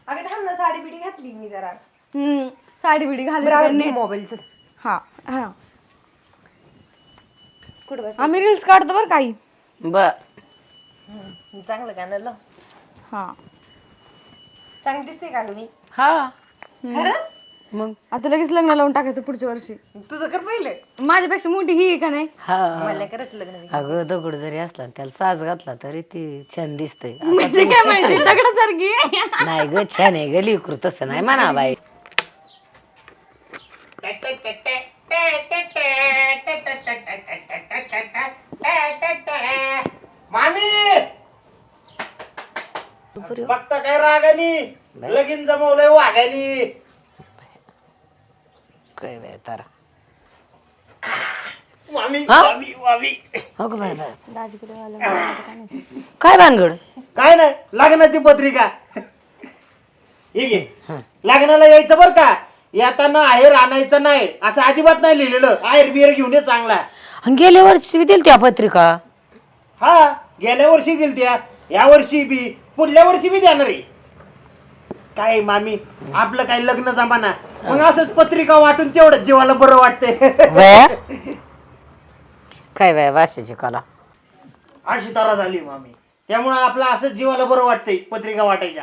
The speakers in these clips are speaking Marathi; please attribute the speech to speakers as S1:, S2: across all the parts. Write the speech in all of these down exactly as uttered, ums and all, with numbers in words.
S1: अगं थांब ना, साडी बिडी घातली मी जरा.
S2: हम्म साडी बिडी घालून
S1: मोबाईलचं.
S2: हा हा
S1: कुठं बस?
S2: आम्ही रील्स काढतो बरं काही.
S3: बर
S1: चांगलं गाणं लाव.
S2: हा
S1: चांगली दिसते का गं मी?
S3: हा
S1: खरंच?
S3: मग
S2: आता लगेच लग्न लावून टाकायचं पुढच्या वर्षी.
S1: तुझं कर पहिलं.
S2: माझ्यापेक्षा मोठी ही आहे का नाही?
S3: हा
S1: मला करायचं लग्न बी.
S3: अगं दगड जरी असला आणि त्याला साज घातला तरी ती छान दिसतंय आता
S2: म्हणजे
S3: तू
S2: काय
S3: चित्र-
S2: माहिती दगडासारखी.
S3: नाही ग छान आहे ग लिकरू तसं नाही म्हणा बाई
S4: मामी फक्त काय रागानी लगीन जमवलंय वाघानी.
S3: काय बाय तारा
S4: मामी
S3: हा?
S4: मामी मामी
S3: हो ग बाय बाय
S2: दाजीकडे आलं मला आता काय माहिती.
S3: काय भानगड
S4: काय नाही लग्नाची पत्रिका हे घे. लग्नाला यायचं बर का, येताना आहेर आणायचं नाही असं अजिबात नाही लिहिलेलं. आहेर बिहेर घेऊन ये चांगला.
S3: आणि गेल्या वर्षी बी दिली त्या पत्रिका
S4: हा गेल्या वर्षी दिल त्या, या वर्षी बी, पुढल्या वर्षी बी देणार आहे. काय मामी आपलं काय लग्न जमाना, मग असंच पत्रिका वाटून तेवढंच जीवाला बरं वाटतंय.
S3: बाया काय बाय वाशाची कला
S4: अशी तरा झाली मामी, त्यामुळं आपलं असंच जीवाला बरं वाटतंय पत्रिका वाटायच्या.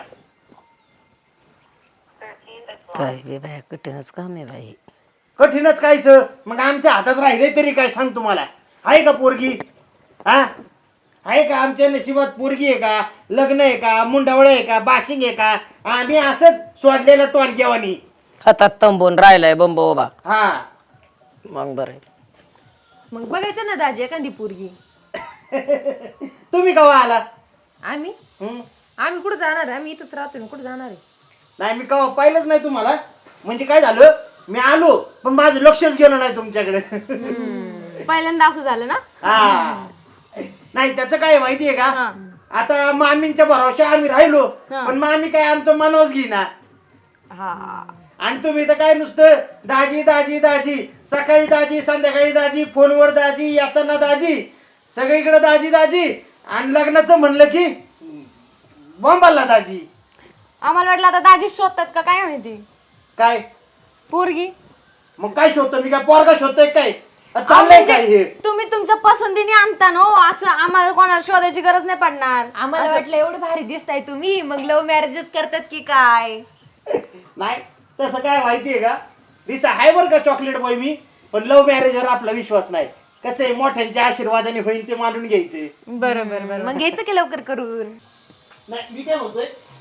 S3: काय बे बाय कठीणच काम आहे बाई
S4: कठीणच कायच, मग आमच्या हातात राहिले तरी काय सांग तुम्हाला. आहे का पोरगी? हा आहे का आमच्या नशिबात पोरगी आहे का, लग्न आहे का, मुंडावळ आहे का, बाशिंग आहे का? आम्ही असंच सोडलेलं टोणक्यावानी.
S3: हातात तंबून राहिलाय बंब उभा.
S4: हा
S3: मग बरं
S1: मग बघायचं ना दाजी एखादी पोरगी.
S4: तुम्ही केव्हा आला?
S1: आम्ही
S4: हं?
S1: आम्ही कुठं जाणार आहे? आम्ही इथंच राहतो. कुठं जाणार आहे?
S4: नाही मी केव्हा पाहिलंच नाही तुम्हाला. म्हणजे काय झालं, मी आलो पण माझं लक्षच गेलं नाही तुमच्याकडे.
S2: पहिल्यांदा असं झालं ना.
S4: हा नाही त्याचं काय माहितीये का, आता मामींच्या भरोशा आम्ही राहिलो, पण मामी काय आमचं मनोज घेईना.
S2: हा
S4: आणि तुम्ही तर काय नुसतं दाजी दाजी दाजी, सकाळी दाजी संध्याकाळी दाजी, फोनवर दाजी, येताना दाजी, सगळीकडे दाजी दाजी. आणि लग्नाचं म्हणलं की बॉम्बाला दाजी.
S2: आम्हाला वाटलं आता दाजी शोधतात का काय माहिती.
S4: काय
S2: पोरगी
S4: मग काय शोधतो मी, काय पोरगा शोधतोय काय? चाललंय काय हे?
S2: तुम्ही तुमच्या पसंतीने आणता ना हो, असं आम्हाला कोणाला शोधायची गरज नाही पडणार.
S1: आम्हाला वाटलं एवढं भारी दिसताय तुम्ही, मग लव्ह मॅरेजच करतात की काय?
S4: नाही तसं काय माहितीये का, दिसा आहे बरं का चॉकलेट बॉय मी, पण लव्ह मॅरेजवर आपला विश्वास नाही. कसं आहे, मोठ्यांच्या आशीर्वादाने होईल ते मानून घ्यायचे.
S2: बरोबर बरोबर.
S1: मग घ्यायचं की लवकर करून.
S4: नाही मी काय म्हणतोय,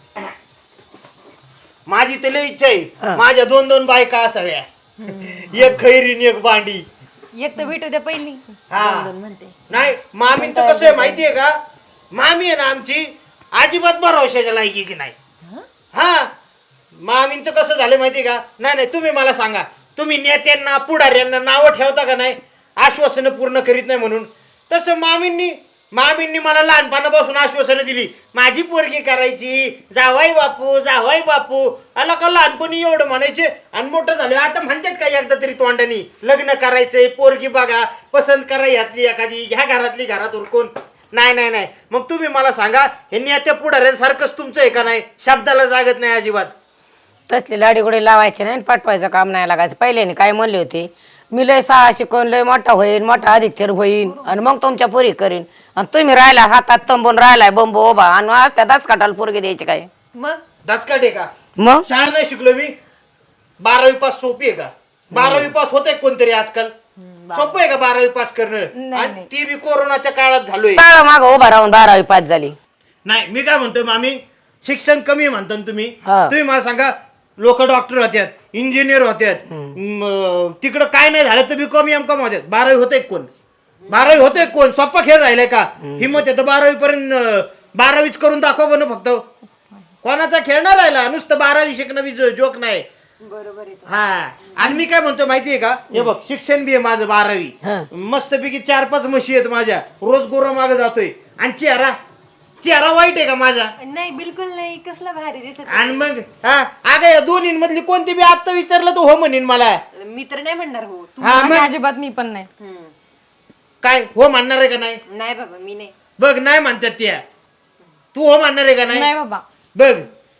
S4: माझी तर लई इच्छा आहे माझ्या दोन दोन बायका असाव्या, एक खैरीन एक बांडी.
S1: एक तर भेटू द्या पहिली.
S4: हा
S1: दोन म्हणते.
S4: नाही मामींचं कसं आहे माहितीये का, मामी आहे ना आमची अजिबात भरवशाच्या लायकीची नाही. हा मामींचं कसं झालं माहितीये का, नाही नाही तुम्ही मला सांगा, तुम्ही नेत्यांना पुढाऱ्यांना नावं ठेवता का नाही आश्वासनं पूर्ण करीत नाही म्हणून? तसं मामींनी मामींनी मला लहानपणापासून आश्वासनं दिली, माझी पोरगी करायची, जावाई बापू जावाई बापू. आला का लहानपणी एवढं म्हणायचे, आणि मोठं झालं आता म्हणतात का एकदा तरी तोंडानी लग्न करायचंय, पोरगी बघा, पसंत करा यातली एखादी, ह्या घरातली घरात उरकून. नाही नाही नाही मग तुम्ही मला सांगा, हे नेत्या पुढाऱ्यांसारखंच तुमचं आहे का नाही? शब्दाला जागत नाही अजिबात.
S3: तसली लाडीगुडी लावायची नाही, पाठवायचं काम नाही लागायचं. पहिल्याने काय म्हणले होते, मी लय सहा शिकवून लय मोठा होईन, मोठा अधिकचर होईन, आणि मग तुमच्या पोरी करीन. आणि तुम्ही राहिला हातात तंबून राहिलाय बंब उभा, आणि आज त्या दसकाटाला पोरगी द्यायची काय?
S1: मग
S4: दचकाट आहे का?
S3: मग
S4: शाळा नाही शिकलो मी. बारावी पास सोपी आहे का? बारावी पास होते कोणतरी आजकाल? सोपं आहे का बारावी पास करणं? आणि ती बी कोरोनाच्या काळात झालोय.
S3: ताळा माग उभा राहून बारावी पास झाली.
S4: नाही मी काय म्हणतोय मामी, शिक्षण कमी म्हणता ना तुम्ही.
S3: हा.
S4: तुम्ही मला सांगा, लोक डॉक्टर होत्यात, इंजिनियर होत्यात, म, तिकडं काय नाही झालं तर बी कमी एम कम होत्यात. बारावी होते कोण? बारावी होते कोण? सोप्पा खेळ राहिलाय का? हिंमत आहे तर बारावी पर्यंत बारावीच करून दाखवा बन फक्त. कोणाचा खेळ नाही राहिला, नुसतं बारावी शिकणं बी जोक नाही.
S1: बरोबर आहे.
S4: हा आणि मी काय म्हणतो माहितीये का, हे बघ शिक्षण बी आहे माझं बारावी, मस्तपैकी चार पाच म्हशी आहेत माझ्या, रोज गोरा मागे जातोय. आणि चेहरा चेहरा वाईट आहे का माझा?
S1: नाही बिलकुल नाही. कसला भारी दिसत.
S4: आणि मग हा अगं या दोन्ही मधली कोणती बी आता विचारलं तर हो म्हणेन मला.
S1: मी तर नाही म्हणणार हो.
S4: हा
S2: आणि
S4: मग
S2: अजिबात मी पण नाही.
S1: हम्म.
S4: काय हो म्हणणार आहे का नाही?
S1: नाही बाबा मी नाही.
S4: बघ नाही म्हणतात त्या, तू हो म्हणणार आहे का नाही?
S2: नाही बाबा.
S4: बघ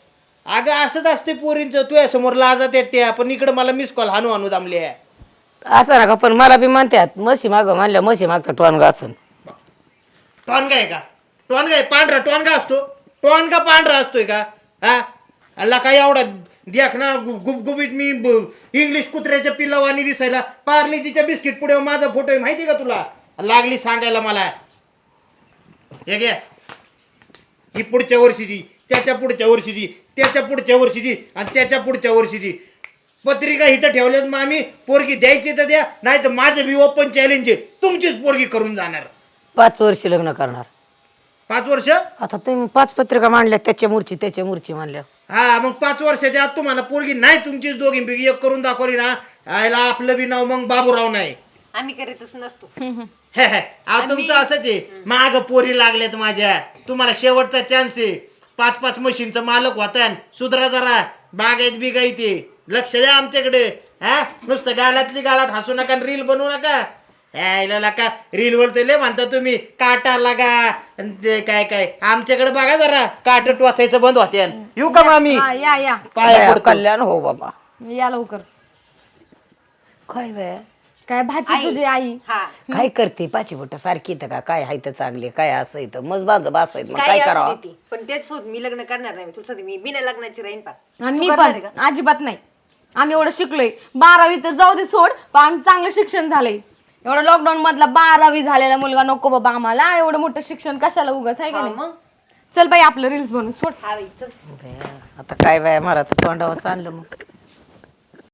S4: अगं असंच असते पोरींचं, तुझ्या समोर लाजात येते पण इकडे मला मिस कॉल हानू हानू दामले आहे.
S3: असं नका, पण मला बी म्हणतात म्हशी माग म्हणल्या म्हशी मागचं टोनगा असून.
S4: टॉनगा आहे का? टॉनगा आहे पांढरा टॉनगा असतो? टॉनगा पांढरा असतोय का? हा अल्ला काय एवढा देख ना गुबगुबीत मी ब- इंग्लिश कुत्र्याच्या पिल्लावानी दिसायला. पार्लेजीच्या बिस्किट पुढे माझा फोटो आहे माहिती का तुला? लागली सांगायला मला. हे घ्या, ही पुढच्या वर्षीची, त्याच्या पुढच्या वर्षीची, त्याच्या पुढच्या वर्षीची आणि त्याच्या पुढच्या वर्षीची पत्रिका इथं ठेवल्यात. मग आम्ही पोरगी द्यायची तर द्या, नाही तर माझं बी ओपन चॅलेंज आहे, तुमचीच पोरगी करून जाणार.
S3: पाच वर्ष लग्न करणार.
S4: पाच वर्ष?
S3: आता तुम्ही पाच पत्रिका मांडल्या, त्याच्या मूर्ची त्याच्या मूर्ची मांडल्या.
S4: हा मग पाच वर्षाच्या आत तुम्हाला पोरगी नाही तुमचीच दोघींपैकी एक करून दाखवली ना, आयला आपलं बी नाव मग बाबूराव नाही.
S1: आम्ही करीतच नसतो.
S4: हे हे, अहो तुमचं असंच आहे. माग पोरी लागल्यात माझ्या, तुम्हाला शेवटचा चान्स आहे. पाच पाच मशीनचं मालक होता, सुधरा जरा, बागायत बिगायते, लक्ष द्या आमच्याकडे. हा नुसतं गालातली गालात हसू नका, रील बनवू नका. यायला का रील बोलते लय म्हणता तुम्ही, काटा लागा अन ते काय काय. आमच्याकडे बघा जरा, काट टोचायचं बंद होते. येऊ का मामी?
S2: हा, या या
S4: पाया पडतो.
S3: कल्याण हो बाबा.
S2: या लवकर.
S3: काय बाय
S2: काय भाजी तुझी आई?
S1: हा
S3: काय करते पाची बोट सारखी इथं का? काय हाय तर चांगली, काय असं इथं मज बांध बासायत, मग काय
S1: काही असू
S3: करावं?
S1: दे ती. पण तेच होत, मी लग्न करणार नाही. तुला सांगते, मी बिना लग्नाची राहीन पा.
S2: आणि मी पण अजिबात नाही. आम्ही एवढं शिकलोय, बारावी तर जाऊ दे सोड, पण आमचं चांगलं शिक्षण झालंय. एवढं लॉकडाऊन मधला बारावी झालेला मुलगा नको बाबा आम्हाला. एवढं मोठं शिक्षण कशाला उगाच, आहे का नाही?
S1: मग
S2: चल बाई आपलं रील्स बनवून सोड.
S1: हा बाई, चल.
S3: बया, आता काय बाय मला तर तोंडावर चाललं मग.